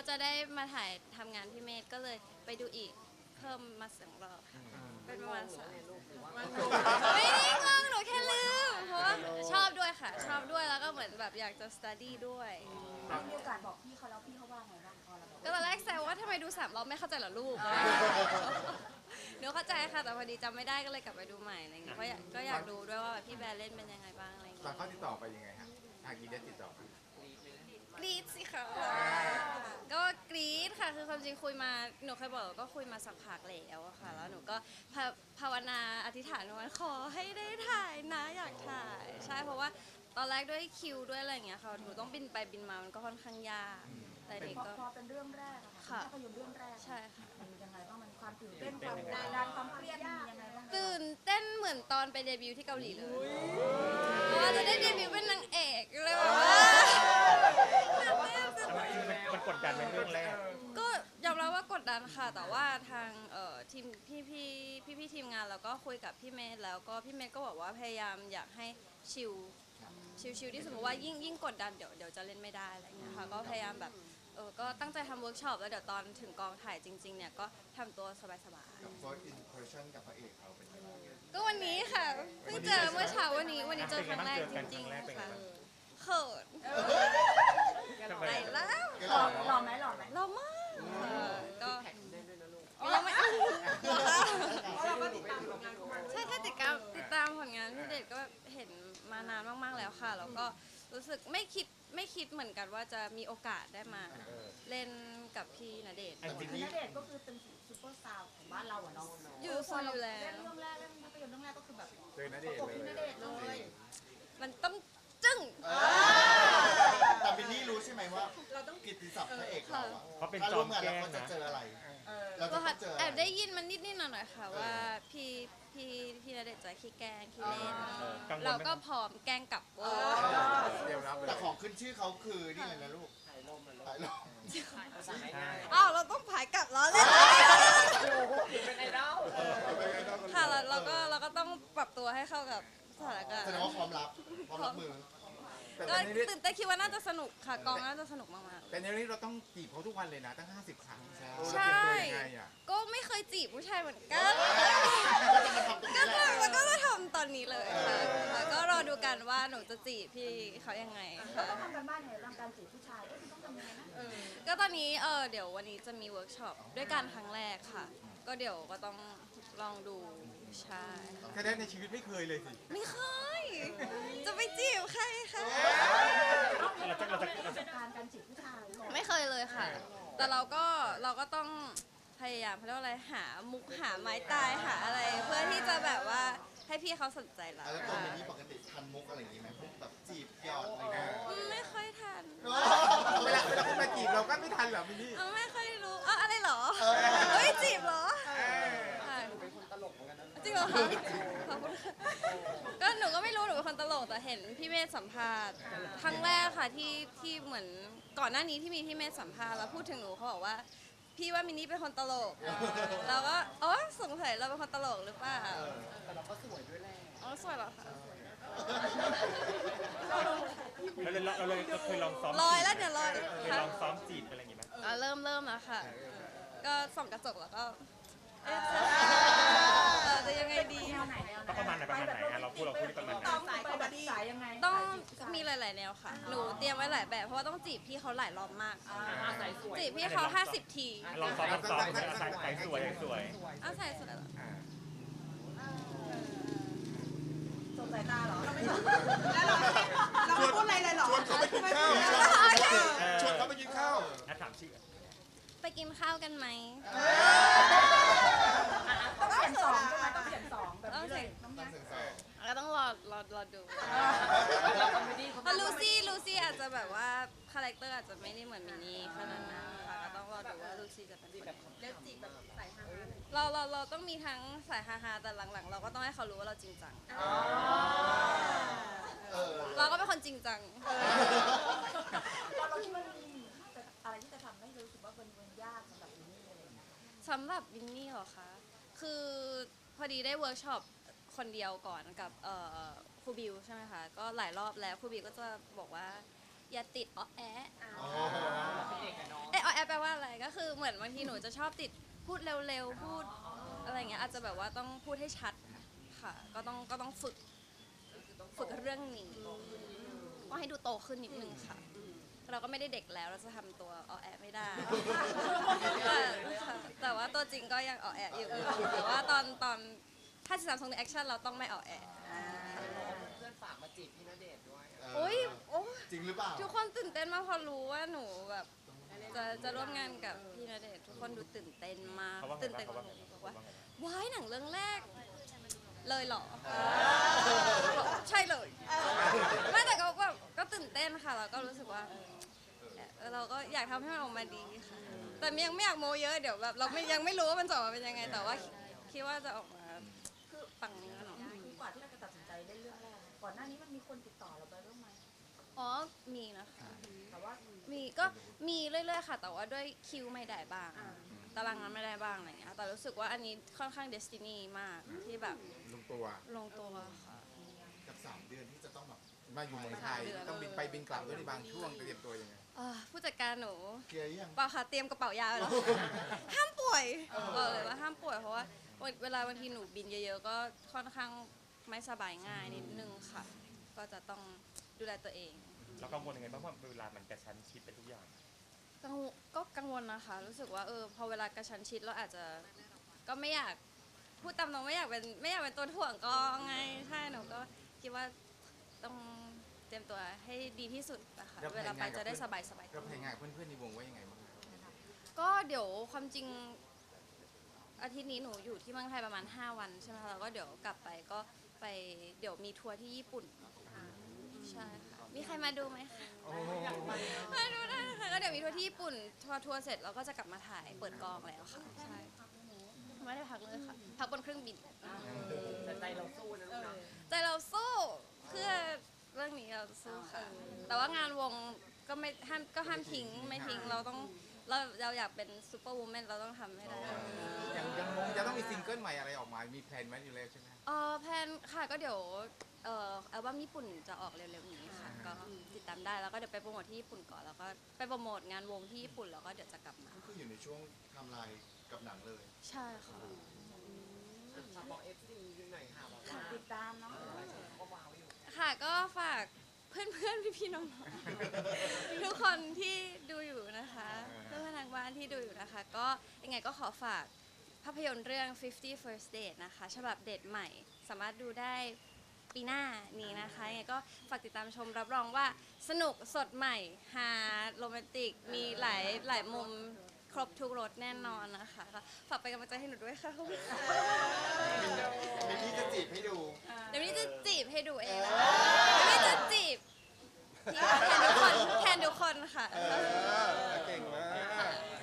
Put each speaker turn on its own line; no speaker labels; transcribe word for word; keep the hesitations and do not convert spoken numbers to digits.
จะได้มาถ่ายทำงานพี่เมธก็เลยไปดูอีกเพิ่มมาสองรอบค่ะเป็นประมาณสามไม่ได้งงหนูแค่ลืมเพราะว่าชอบด้วยค่ะ ชอบด้วยแล้วก็เหมือนแบบอยากจะ study ด้วย
มีโอกาสบอกพี่เขาแล้วพี่เขาว่าไงบ้างพอเราบอก
ก็ตอนแรกแซวว่าทำไมดูสามรอบไม่เข้าใจเหรอลูกหนูเข้าใจค่ะแต่พอดีจำไม่ได้ก็เลยกลับไปดูใหม่อะไรเงี้ยเพราะก็อยากดูด้วยว่าพี่แบร์เล่นเป็นยังไงบ้างอะไรเงี้ย
ตอนเขาติดต่อไปยังไงฮะทางกีเดสติดต่อไป
กรี๊ดสิคะก็กรี๊ดค่ะคือความจริงคุยมาหนูเคยบอกก็คุยมาสักพักแล้วอะค่ะแล้วหนูก็ภาภาวนาอธิษฐานว่าขอให้ได้ถ่ายนะอยากถ่ายใช่เพราะว่าตอนแรกด้วยคิวด้วยอะไรอย่างเงี้ยค่ะหนูต้องบินไปบินมามันก็ค่อนข้างยากแต่เด็ก
พอ
ก็
พอเป็นเรื่องแรกอะค่ะ
ค่ะ
ภาพยนตร์เรื่องแรก
ใช่ค่ะ
มันยังไงบ้างมันความตื่นเต้นความกดดันความเครียดมียังไงบ้าง
ตื่นเต้นเหมือนตอนไปเดบิวต์ที่เกาหลีเลยเพราะว่าจะได้เดบิวต์เป็นนางเอกเลยแบบว่า
มันกดดันในเรื่องแรก
ก็ยอมรับว่ากดดันค่ะ แต่ว่าทางเอ่อทีมพี่พี่พี่พี่ทีมงานแล้วก็คุยกับพี่เมธแล้วก็พี่เมธก็บอกว่าพยายามอยากให้ชิลชิลชิลที่สมมติว่ายิ่งยิ่งกดดันเดี๋ยวเดี๋ยวจะเล่นไม่ได้อะไรอย่างเงี้ยค่ะก็พยายามแบบเออก็ตั้งใจทำเวิร์กช็อปแล้วเดี๋ยวตอนถึงกองถ่ายจริงๆเนี่ยก็ทำตัวสบาย
กับ first impression กับพระเอกเขาเป็นยังไง
ๆก็วันนี้ค่ะเพิ่งเจอเมื่อเช้าวันนี้วันนี้เจอครั้งแรกจริงๆค่ะเขินไปแล้ว
หล่อหล่อไหมหล่อไหม
เรามากค่ะก็ยังไม่ใช่แค่ติดตามติดตามผลงานพี่เดชก็เห็นมานานมากๆแล้วค่ะแล้วก็รู้สึกไม่คิดไม่คิดเหมือนกันว่าจะมีโอกาสได้มาเล่นกับพี่ณเดชน์
จริง
คือณเดชน์ก็คือเป็นซูเปอร์สตาร์ของบ้านเราอะเนาะ
อยู่โซนอยู่แล้
เล่น
ว
เรื่องแรกเล่นภาพยนตร์เรื่องแรกก็คือแบบ
เจอณเดชน์
ตก
เล
ที่ณ
ย
เดชน์เลย
มันต้องจึ้ง
แต่บินนี่รู้ใช่ไหมว่าเราต้องกิตติศัพท์พระเอกเราอะ
เขาเป็น
ถ้า
จอ
ร่ว
ม
มงาน
แกล้
เรา
ง
ก็จะ
นะ
เจออะไรเรา
ก็
จะต้องเจออะ
แอ
ไร
บได้ยินมันนิดๆหน่อยๆค่ะว่าพี่พี่พี่ณเดชน์จะขี้แกล้งขี้เล่น
กังวลไหม
เราก็พร้อมแกล้งกลับเวอร์
เตรียมรับเลย
แต่ของขึ้นชื่อเขาคือนี่เลยนะลูกถ่ายลมถ่ายลม
ใช่
อ้าวเราต้องผายกลับแล้วเลย
เป็นไอดอล
ค่ะเราเราก็เราก็ต้องปรับตัวให้เข้ากับสถานการณ์
แสดงว่าพร้อมรับพร้อมรับมือ
แต่ต
ก็
อนนี้
ตื่นเต้นคิดว่าน่าจะสนุกค่ะกองน่าจะสนุกมาก
แต่ในนี้เราต้องจีบเขาทุกวันเลยนะตั้งห้าสิบครั้ง
ใช่
ๆ
เรา
ใช่
เตรียมตัวยังไงอ่ะ
ก็ไม่เคยจีบผู้ชายเหมือนกัน
ก็จะมาทำตรง
ก็
นี้แหละ
แล้วก็จะทำตอนนี้เลยค่ะแล้วก็รอดูกันว่าหนูจะจีบพี่เขายังไง
เรา
ค่ะ
ต้องทำกันบ้านยังไงบ้างการจีบผู้ชายเอ๊ะมันต้องทำยังไงนะ
ก็ตอนนี้เออเดี๋ยววันนี้จะมีเวิร์กช็อปด้วยกันครั้งแรกค่ะ ก็เดี๋ยวก็ต้องลองดูใช่
แค่ได้ในชีวิตไม่เคยเลยสิ
ไม่เคยจะไปจีบใครคะ
เราจะเราจะ
ป
เรา
ระส
จะ
บการณ์การจีบผู้ชายก่อน
ไม่เคยเลยค่ะ แต่เราก็เราก็ต้องพยายามเขาเรียกว่าอะไรหามุกหาไม้ตายหาอะไร เพื่อที่จะแบบว่าให้พี่เขาสนใจเรา
แล้วตัว
ค่ะ
มินนี่ปกติทันมุกอะไรอย่างงี้ไหมพวกแบบจีบหยอดอะไรเงี้ย
อืมไม่ค่อยทัน
เวลาเวลาคุณมาจีบเราก็ไม่ทันเหรอมินนี่
เออไม่ค่อยรู้เอออะไรเหรอเฮ้ยจีบเหรอค่ะจริงเหรอคะขอบคุณค่ะก็หนูก็ไม่รู้หนูเป็นคนตลกแต่เห็นพี่เมธสัมภาษณ์ครั้งแรกค่ะที่ที่เหมือนก่อนหน้านี้ที่มีพี่เมธสัมภาษณ์แล้วพูดถึงหนูเขาบอกว่า พี่ว่ามินนี่เป็นคนตลกเราก็อ๋อสงสัยเราเป็นคนตลกหรือเปล่า
แต่เราก็สวยด้วยแหละ
อ๋อสวยเหรอคะ
เราเลยเราเลยเราเคยลองซ้อม
ลอยแล้วเดี๋ยวลอย
เคย
ค่ะ
ลองซ้อมจีบอะไรอย่างงี้ไหม
อ่ะเริ่มเริ่มแล้วค่ะ ก็ส่องกระจกแล้วก็เอ๊ะเออจะยังไงดี
แนวไหนแนวไหน
ก็ประมาณไหนประมาณไหนอ่ะเราพูดเราพูดประมาณไหน
ต้องไปแบบสายยังไง
ต้องมีหลาย ๆ แนวค่ะ หนูเตรียมไว้หลายแบบ เพราะว่าต้องจีบพี่เขาหลายรอบมาก
อาศัยสวย
จีบพี่เขาห้าสิบที
ลองซ้อมลองซ้อมใส่ใส่สวยสวย
เอาใส่สุดแล้ว
สงสายตาเหรอ
เราไม่พูดอะไรเลยเหรอ
ชวนเขาไปกินข้าวชวนเขาไปกินข้าว
อ่ะถามชื่อ
ไปกินข้าวกันไหม
ต้องเขียนสองใช่ไหมต้องเขียนสองแบบนี้เลย
ตั้งเสียงสอง
ก็ต้องรอรอรอดู
เราคอมเมดี้เขา
เพราะลูซี่ลูซี่อาจจะแบบว่าคาแรคเตอร์อาจจะไม่ได้เหมือนมินนี่ขนาดนั้นค่ะก็ต้องรอดูว่าลูซี่จะเป็นแบบ
เล่นจีบแบบใส่ฮาๆเลย
เราเราเราต้องมีทั้งสายฮาๆแต่หลังๆ เราก็ต้องให้เขารู้ว่าเราจริงจัง
เออ
เราก็เป็นคนจริงจัง
เราเราคิดว่ามีอะไรที่จะทำให้รู้สึกว่ามันมันยากสำหรับมินนี่อะไรอย่างเงี้ย
สำหรับวินนี่เหรอคะ คือพอดีได้เวิร์กช็อปคนเดียวก่อนกับเอ่อครูบิวใช่ไหมคะ ก็หลายรอบแล้วครูบิวก็จะบอกว่า อย่าติดอ้อแอะ
อ๋อ
เป็นเด็กอะเนาะ
เอะอ้อแอะแปลว่าเหมือนบางทีหนูจะชอบติดพูดเร็วๆพูดอะไรอย่างเงี้ยอาจจะแบบว่าต้องพูดให้ชัดค่ะก็ต้องก็ต้องฝึกฝึกเรื่องนี้ก็ให้ดูโตขึ้นนิดนึงค่ะเราก็ไม่ได้เด็กแล้วเราจะทำตัวอ่อแอไม่ได้แต่แต่ว่าตัวจริงก็ยังอ่อแออยู่แต่ว่าตอนตอนถ้าสิบสามทรงในแอคชั่นเราต้องไม่อ่อแอ
เพื่อนฝากมาจีบพี่ณเดชน์ด้วย
โอ้ยโอ้ย
จริงหรือเปล่า
ทุกคนตื่นเต้นมากพอรู้ว่าหนูแบบจะจะร่วมงานกับพี่ณเดชน์ทุกคนดูตื่นเต้นมาก
เขาว่าไง
ตื่น
บ้าง
เต้น
เขา
ก
ว่า
ว่าห
ไง
นูบอก
บ้า
ว่าง
เขาว่าไง
ว้ายหนังเรื่องแรก เลยเหรอบอกใช่เลยไม่แต่ก็แบบก็ตื่นเต้นค่ะแล้วก็รู้สึกว่าเออเราก็อยากทำให้มันออกมาดีค่ะแต่ยังไม่อยากโมเยอะเดี๋ยวแบบเราไม่ยังไม่รู้ว่ามันจะออกมาเป็นยังไง แต่ว่าคิดว่าจะออกมา
คือ
ปังแน่นอน
คือกว่าที่เราจะตัดสินใจเล่นเรื่องแรกก่อนหน้านี้มันมีคนติดต่อเราไปบ้างไหม
อ๋อมีนะคะ
แต่ว่า
มีก็มีเรื่อยๆค่ะ แต่ว่าด้วยคิวไม่ได้บ้างตารางงานไม่ได้บ้างอะไรเงี้ยแต่รู้สึกว่าอันนี้ค่อนข้างเดสตินีมากที่แบบ
ลงตัว
ลงตัวค่ะ
กับสามเดือนที่จะต้องแบบ
มาอยู่เมืองไทยต้องบินไปบินกลับด้วยในบางช่วงเตรียมตัวยังไง
อ่าผู้จัดการหนู
เคลียร์ยัง
เปล่าค่ะเตรียมกระเป๋ายาไว้แล้ว ห้ามป่วยบอกเลยว่าห้ามป่วยเพราะว่าเวลาบางทีหนูบินเยอะๆก็ค่อนข้างไม่สบายง่ายนิดนึงค่ะ ก็จะต้องดูแลตัวเอง
เรากังวลยังไงบ้างเพราะเวลามันกระชั้นชิดไปทุกอย่าง
กังวลก็กังวลนะคะ รู้สึกว่าเออพอเวลากระชั้นชิดเราอาจจะก็ไม่อยากพูดตามตรงไม่อยากเป็นไม่อยากเป็นตัวถ่วงกองไงใช่หนูก็คิดว่าต้องเตรียมตัวให้ดีที่สุดนะคะ
แล้ว
เวลาไป
แผนงานกับ
จะได้
เพื่
ส
อน
บายสบายๆ
เราพยายามเพื่อนๆในวงว่ายังไงบ้าง
ก็เดี๋ยวความจริงอาทิตย์นี้หนูอยู่ที่เมืองไทยประมาณห้าวันใช่ไหมคะแล้วก็เดี๋ยวกลับไปก็ไปเดี๋ยวมีทัวร์ที่ญี่ปุ่นใช่ค่ะมีใครมาดูไหมคะ
โอ้
มาดูได้นะคะก็เดี๋ยวมีทัวร์ที่ญี่ปุ่นทัวร์ทัวร์เสร็จเราก็จะกลับมาถ่ายเปิดกองแล้วค่ะใช่ไม่ได้พักเลยค่ะพักบนเครื่องบิน
แต่ใจเราสู้นะลูกนะ
ใจเราสู้เพื่อเรื่องนี้เราสู้ค่ะ แต่ว่างานวงก็ไม่ห้ามก็ห้ามทิ้งไม่ทิ้งเราต้องเราเราอยากเป็นซูเปอร์วูแมนเราต้องทำให้ได้
ยังยังงงจะต้องมีซิงเกิลใหม่อะไรออกมา มีแพลนไว้อยู่แล้วใช่ไหม
เออแพลนค่ะก็เดี๋ยวเอ่ออัลบั้มญี่ปุ่นจะออกเร็วๆนี้ค่ะก็ติดตามได้แล้วก็เดี๋ยวไปโปรโมทที่ญี่ปุ่นก่อนแล้วก็ไปโปรโมทงานวงที่ญี่ปุ่นแล้วก็เดี๋ยวจะกลับมา
ก็คืออยู่ในช่วงไทำลายกับหนังเลย
ใช่ค่ะ
ฝากบอกเอฟซีหน่อยค่ะบอกว่า
ติดตามเนาะ
ก็ว้าวอยู่
ค่ะก็ฝากเพื่อนๆพี่ๆน้องๆทุกคนที่ดูอยู่นะคะเพื่อนๆทางบ้านที่ดูอยู่นะคะ ก็ยังไงก็ขอฝากภาพยนตร์เรื่อง fifty First Date นะคะฉบับเดทใหม่ สามารถดูได้ปีหน้านี้นะคะยังไงก็ฝากติดตามชมรับรองว่าสนุกสดใหม่ฮาโรแมนติก มีหลายหลายมุมครบทุกรสแน่นอนนะคะก็ฝากเป็นกำลังใจให้หนูด้วยค่ะขอบคุณค่ะ
มีพี่จะจีบให้ดู
เดี๋ยวนี้จะจีบให้ดูเองนะคะเดี๋ยวนี้จะจีบพี่แทนทุกคนแทนทุกคนค่ะ
เก่งมาก